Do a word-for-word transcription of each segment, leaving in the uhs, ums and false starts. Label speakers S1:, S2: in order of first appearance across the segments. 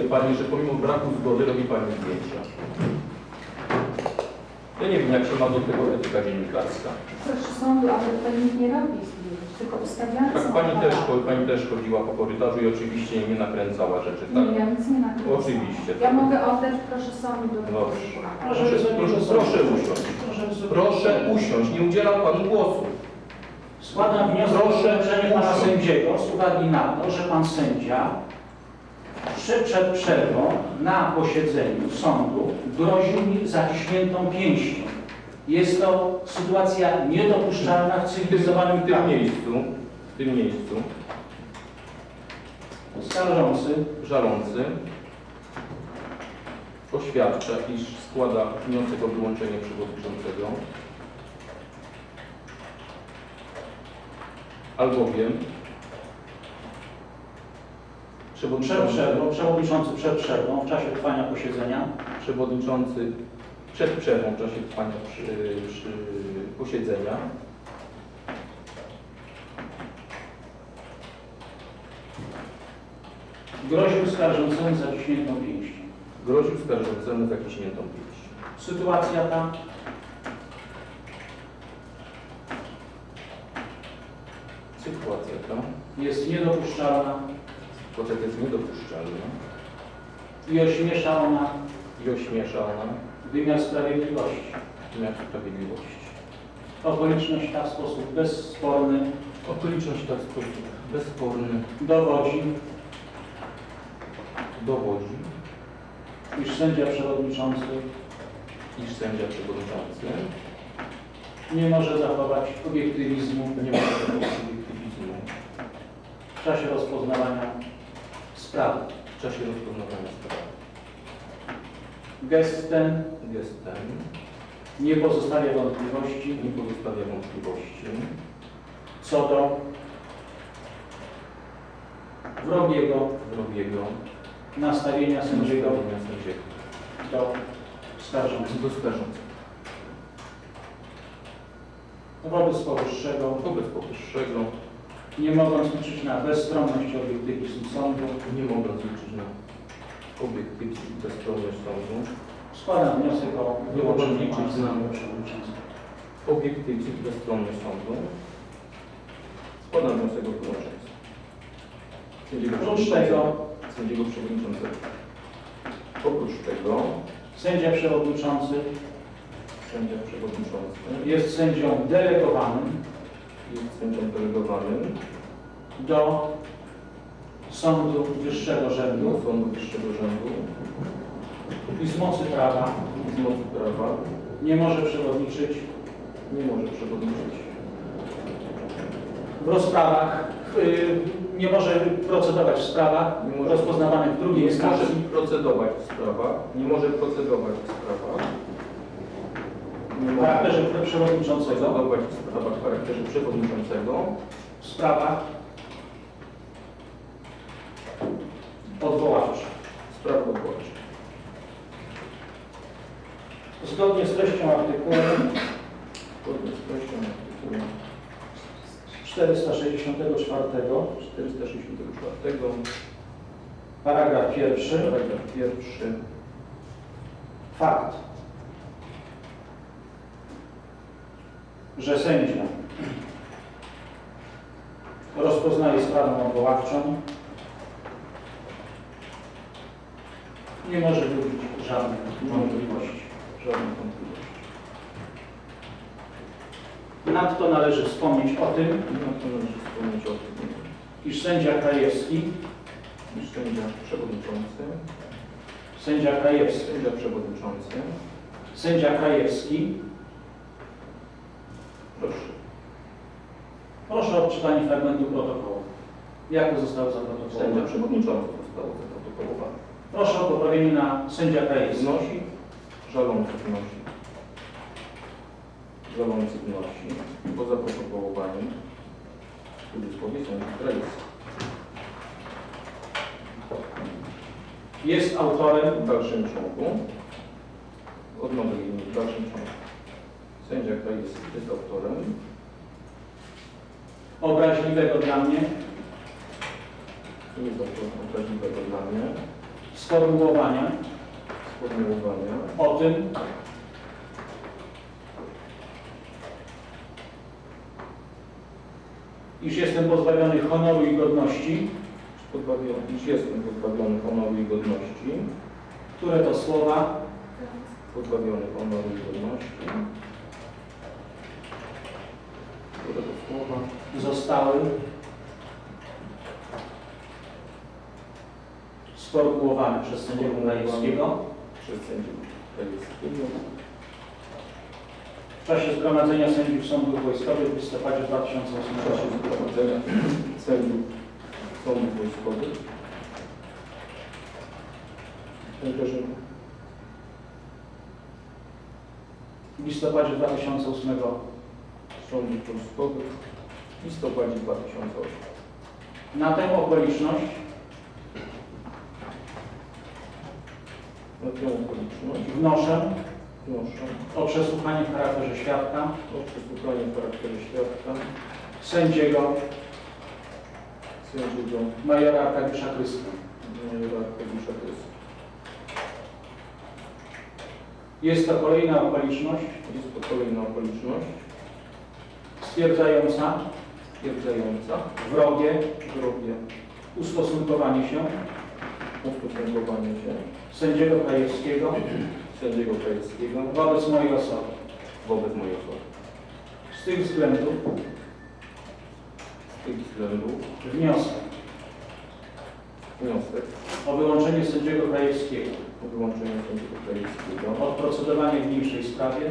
S1: Pani, że pomimo braku zgody robi Pani zdjęcia. Ja nie wiem, jak się ma do tego etyka dziennikarska.
S2: Proszę sądu, ale tutaj nikt nie robi zdjęć, tylko ustawiane
S1: Tak,
S2: są
S1: pani też,
S2: aparaty.
S1: pani też chodziła po korytarzu i oczywiście nie nakręcała rzeczy, tak?
S2: Nie, ja nic nie nakręcam.
S1: Oczywiście.
S2: Ja mogę oddać, proszę sądu. Do
S1: Dobrze.
S2: proszę,
S1: Proszę, proszę, proszę usiąść. Proszę usiąść, nie udzielam Panu głosu.
S3: Składam wniosek o urzędzenie pana sędziego z uwagi na to, że pan sędzia przed przerwą na posiedzeniu sądu groził mi zaciśniętą pięścią. Jest to sytuacja niedopuszczalna w cywilizowanym
S1: W tym
S3: kraju.
S1: miejscu, w tym miejscu,
S3: Skarżący
S1: żalący oświadcza, iż składa wniosek o wyłączenie przewodniczącego, albowiem
S3: przed
S1: przewodniczący,
S3: przerwą, przewodniczący przed przerwą w czasie trwania posiedzenia
S1: przewodniczący przed przerwą w czasie trwania przy, przy posiedzenia
S3: groził skarżącemu zaciśniętą pięścią.
S1: groził skarżącemu zaciśniętą pięścią.
S3: Sytuacja ta
S1: Sytuacja ta,
S3: jest niedopuszczalna
S1: sytuacja ta jest niedopuszczalna
S3: i ośmiesza ona
S1: i ośmiesza ona
S3: wymiar sprawiedliwości.
S1: wymiar sprawiedliwości.
S3: Okoliczność ta w sposób bezsporny
S1: Okoliczność ta w sposób bezsporny
S3: dowodzi,
S1: dowodzi,
S3: iż sędzia przewodniczący
S1: iż sędzia przewodniczący
S3: nie może zachować obiektywizmu
S1: nie ma takiego obiektywizmu
S3: w czasie rozpoznawania sprawy.
S1: w czasie rozpoznawania sprawy.
S3: Gest ten
S1: Gest ten
S3: nie pozostawia wątpliwości
S1: nie pozostawia wątpliwości
S3: co do wrogiego
S1: wrogiego
S3: nastawienia sędziego
S1: nastawienia sędziego
S3: do skarżącego.
S1: do skarżącego.
S3: Wobec powyższego,
S1: Wobec powyższego,
S3: nie mogąc liczyć na bezstronność i obiektywizm sądu,
S1: nie mogąc liczyć na obiektywizm i bezstronność sądu,
S3: składam wniosek o wyłączenie
S1: liczyć
S3: pana
S1: na-
S3: sędziego przewodniczącego.
S1: obiektywizm i bezstronność sądu, składam wniosek o wyłączenie sędziego
S3: Oprócz tego
S1: sędziego przewodniczącego. Oprócz tego
S3: sędzia przewodniczący
S1: sędzia przewodniczący
S3: jest sędzią delegowanym
S1: jest sędzią delegowanym
S3: do Sądu Wyższego Rzędu
S1: do Sądu Wyższego Rzędu
S3: i z mocy prawa
S1: i z mocy prawa
S3: nie może przewodniczyć
S1: nie może przewodniczyć
S3: w rozprawach, yy, nie może procedować w sprawach
S1: Nie może-
S3: rozpoznawanych w drugiej
S1: nie może
S3: instancji
S1: procedować w sprawach, nie może procedować w sprawach, nie
S3: w
S1: może
S3: charakterze przewodniczącego
S1: procedować w sprawach w charakterze przewodniczącego,
S3: w sprawach odwoławczych.
S1: spraw odwoławczych.
S3: Zgodnie z treścią artykułu
S1: Zgodnie z treścią artykułu
S3: czterysta sześćdziesiątego czwartego,
S1: czterysta sześćdziesiątego czwartego,
S3: paragraf pierwszy,
S1: paragraf pierwszy,
S3: fakt, że sędzia rozpoznaje sprawę odwoławczą, nie może budzić żadnych wątpliwości.
S1: żadnych wątpliwości.
S3: Nadto należy wspomnieć o tym,
S1: I na to należy wspomnieć o tym,
S3: iż sędzia Krajewski,
S1: iż sędzia przewodniczący,
S3: sędzia Krajewski,
S1: sędzia przewodniczący,
S3: sędzia Krajewski,
S1: proszę,
S3: proszę o odczytanie fragmentu protokołu. Jak to zostało
S1: sędzia
S3: zaprotokołowane?
S1: przewodniczący zostało zaprotokołowane.
S3: Proszę o poprawienie na sędzia Krajewski.
S1: Wnosi, żalący wnosi, żalący wnosi, po zaprotokołowaniu, w cudzysłowie sędzia Krajewski.
S3: Jest autorem
S1: W dalszym ciągu, odnowy linii, w dalszym ciągu, sędzia Krajewski jest autorem
S3: obraźliwego dla mnie
S1: nie jest autorem obraźliwego dla mnie
S3: sformułowania
S1: sformułowania
S3: o tym, iż jestem pozbawiony honoru i godności,
S1: pozbawiony, iż jestem pozbawiony honoru i godności,
S3: które to słowa
S1: pozbawiony honoru i godności, które to słowa
S3: zostały sformułowane przez sędziego Krajewskiego
S1: przez sędziego Krajewskiego
S3: w czasie zgromadzenia sędziów sądów wojskowych w listopadzie dwa tysiące
S1: w
S3: ósmego
S1: czasie
S3: roku.
S1: zgromadzenia sędziów sądów wojskowych. Panie Grażyna.
S3: W listopadzie dwa tysiące ósmego
S1: Sądów wojskowych w listopadzie dwa tysiące ósmego.
S3: na tę okoliczność
S1: Na tę okoliczność
S3: wnoszę
S1: wnoszę
S3: o przesłuchanie w charakterze świadka
S1: o przesłuchanie w charakterze świadka
S3: sędziego
S1: sędziego
S3: majora Arkadiusza Kryska.
S1: majora Arkadiusza Kryska.
S3: Jest to kolejna okoliczność
S1: Jest to kolejna okoliczność
S3: stwierdzająca
S1: stwierdzająca
S3: wrogie
S1: wrogie
S3: ustosunkowanie się
S1: ustosunkowanie się
S3: sędziego Krajewskiego
S1: sędziego Krajewskiego
S3: wobec mojej osoby.
S1: wobec mojej osoby.
S3: Z tych względów
S1: Z tych względów
S3: wniosek
S1: wniosek
S3: o wyłączenie sędziego Krajewskiego
S1: o wyłączenie sędziego Krajewskiego
S3: od procedowania w niniejszej sprawie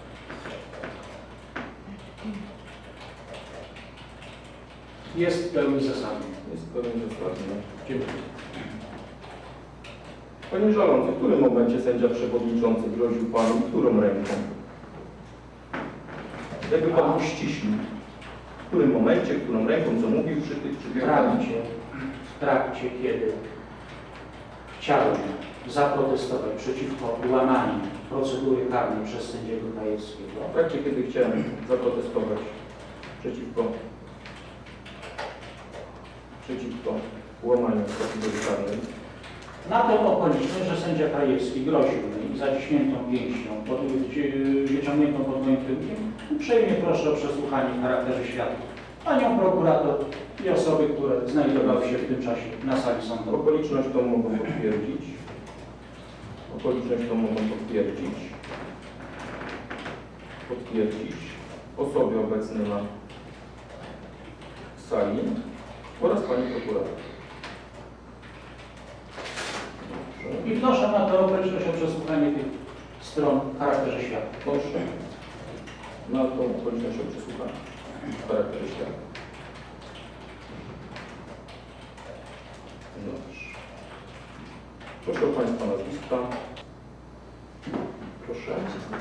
S3: jest w pełni zasadny.
S1: jest pełen zasadny.
S3: Dziękuję.
S1: Panie Żalący, w którym momencie sędzia przewodniczący groził Panu którą ręką? Jakby Pan uściślił. W którym momencie, którą ręką, co mówił przy tych
S3: W
S1: przywiadach?
S3: trakcie, w trakcie, kiedy chciałem zaprotestować przeciwko łamaniu procedury karnej przez sędziego Krajewskiego,
S1: W trakcie, kiedy chciałem zaprotestować przeciwko przeciwko łamaniu procedury karnej,
S3: na tę okoliczność, że sędzia Krajewski groził mi zaciśniętą pięścią, pod, wyciągniętą pod moim tyłkiem, uprzejmie proszę o przesłuchanie w charakterze świadków panią prokurator i osoby, które znajdowały się w tym czasie na sali sądowej.
S1: okoliczność tą mogą potwierdzić. Okoliczność tą mogą potwierdzić. Potwierdzić osoby obecne na sali oraz pani prokurator.
S3: I wnoszę na tę okoliczność o przesłuchanie tych stron w charakterze świadków.
S1: Proszę na tą okoliczność o przesłuchanie w charakterze świadka. Dobrze. Proszę o Państwa nazwiska. Proszę.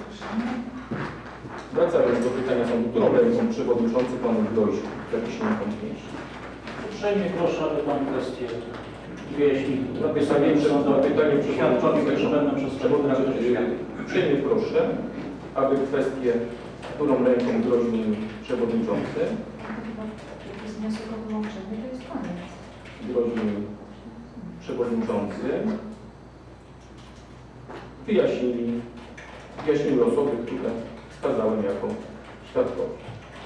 S1: Wracając do pytania sądu, którą ręką przewodniczący Panu groził zaciśniętą pięść?
S3: Uprzejmie proszę, aby Pan kwestię wyjaśnił.
S1: Na pytanie przed- na pytanie
S3: Świadkowie, którzy
S1: przewodniczącego.
S3: będą przesłuchiwać w charakterze świadków.
S1: Uprzejmie proszę, aby kwestię, którą ręką groził mi przewodniczący,
S2: Jak jest wniosek o wyłączenie, to jest koniec.
S1: groził mi przewodniczący, wyjaśnili, wyjaśniły osoby, które wskazałem jako świadkowie.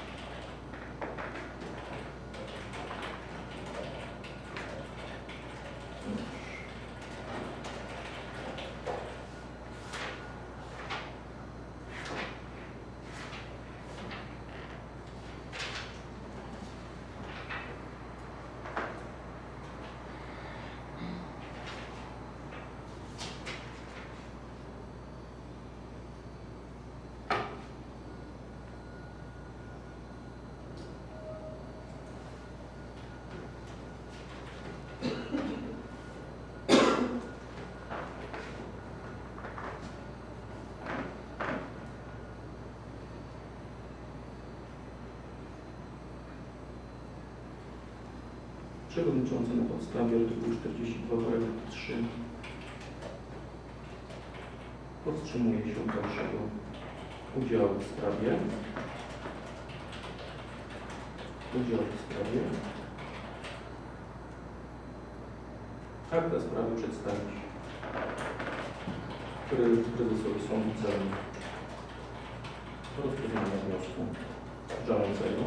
S1: Przewodniczący na podstawie artykułu czterdzieści dwa paragraf trzy powstrzymuje się od dalszego udziału w sprawie. Udziału w sprawie. Akta sprawy przedstawić Pre- Prezesowi Sądu Celnym rozpoznania wniosku żalącego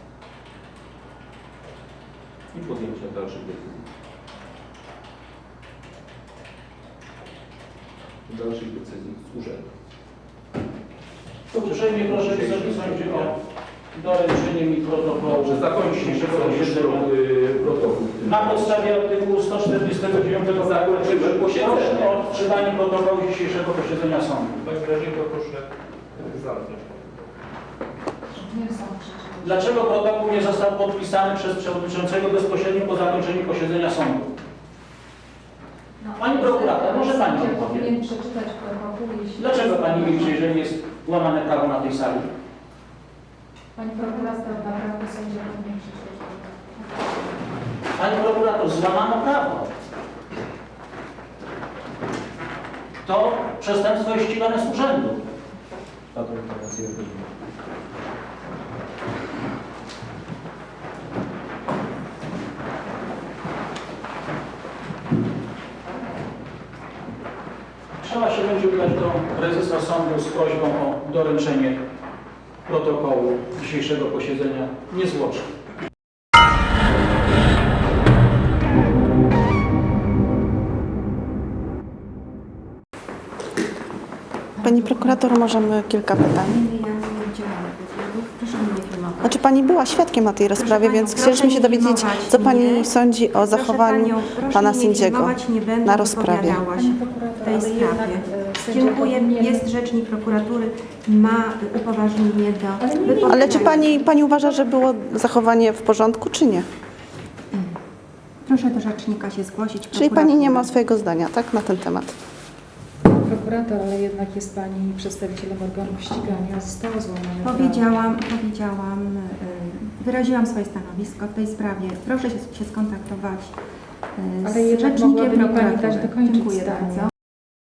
S1: i podjęcia dalszych decyzji. Dalszych decyzji z urzędu.
S3: Uprzejmie proszę Wysoki Sądzie o doręczenie mi protokołu
S1: Że zakończył
S3: dzisiejszego
S1: dzisiejszy
S3: posiedzenia.
S1: protokół.
S3: Na podstawie artykułu sto czterdziestego dziewiątego
S1: Zakończymy posiedzenie.
S3: proszę o odczytanie protokołu dzisiejszego posiedzenia sądu.
S1: W takim razie to proszę zamknąć.
S2: Nie są przeczytane.
S3: Dlaczego protokół nie został podpisany przez przewodniczącego bezpośrednio po zakończeniu posiedzenia sądu?
S2: No,
S3: Pani prokurator, może pani
S2: sędzia
S3: odpowie.
S2: powinien przeczytać protokół, jeśli...
S3: Dlaczego pani milczy, jeżeli jest łamane prawo na tej sali?
S2: Pani prokurator, naprawdę sędzia powinien przeczytać protokół.
S3: Pani prokurator, złamano prawo. To przestępstwo jest ścigane z urzędu. Trzeba się będzie udać do prezesa sądu z prośbą o doręczenie protokołu dzisiejszego posiedzenia niezwłocznie.
S4: Pani prokurator, możemy kilka pytań.
S5: Nie, ja nie udzielam wywiadów. Proszę mnie nie filmować.
S4: Znaczy Pani była świadkiem na tej rozprawie,
S5: panią,
S4: więc
S5: proszę
S4: chcieliśmy się
S5: nie
S4: dowiedzieć,
S5: filmować
S4: co Pani
S5: mnie.
S4: sądzi o
S5: Proszę
S4: zachowaniu
S5: panią, proszę
S4: Pana
S5: mnie
S4: sędziego
S5: filmować, nie będę
S4: na rozprawie.
S5: wypowiadała się w tej sprawie.
S2: e,
S5: Dziękuję. Jest rzecznik prokuratury, ma upoważnienie do
S2: Ale nie, nie,
S5: wypowiadania.
S4: Ale czy Pani, Pani uważa, że było zachowanie w porządku, czy nie?
S5: Proszę do rzecznika się zgłosić.
S4: Czyli Pani nie ma
S5: prokuratury.
S4: swojego zdania, tak, na ten temat?
S6: Prokurator, ale jednak jest Pani przedstawicielem organów ścigania, zostało złamane prawo.
S5: Powiedziałam, powiedziałam, y, wyraziłam swoje stanowisko w tej sprawie. Proszę się, się skontaktować y,
S6: Ale
S5: z
S6: jednak
S5: rzecznikiem
S6: mogłaby mi Pani
S5: prokuratury.
S6: dać dokończyć
S5: Dziękuję
S6: zdanie.
S5: bardzo.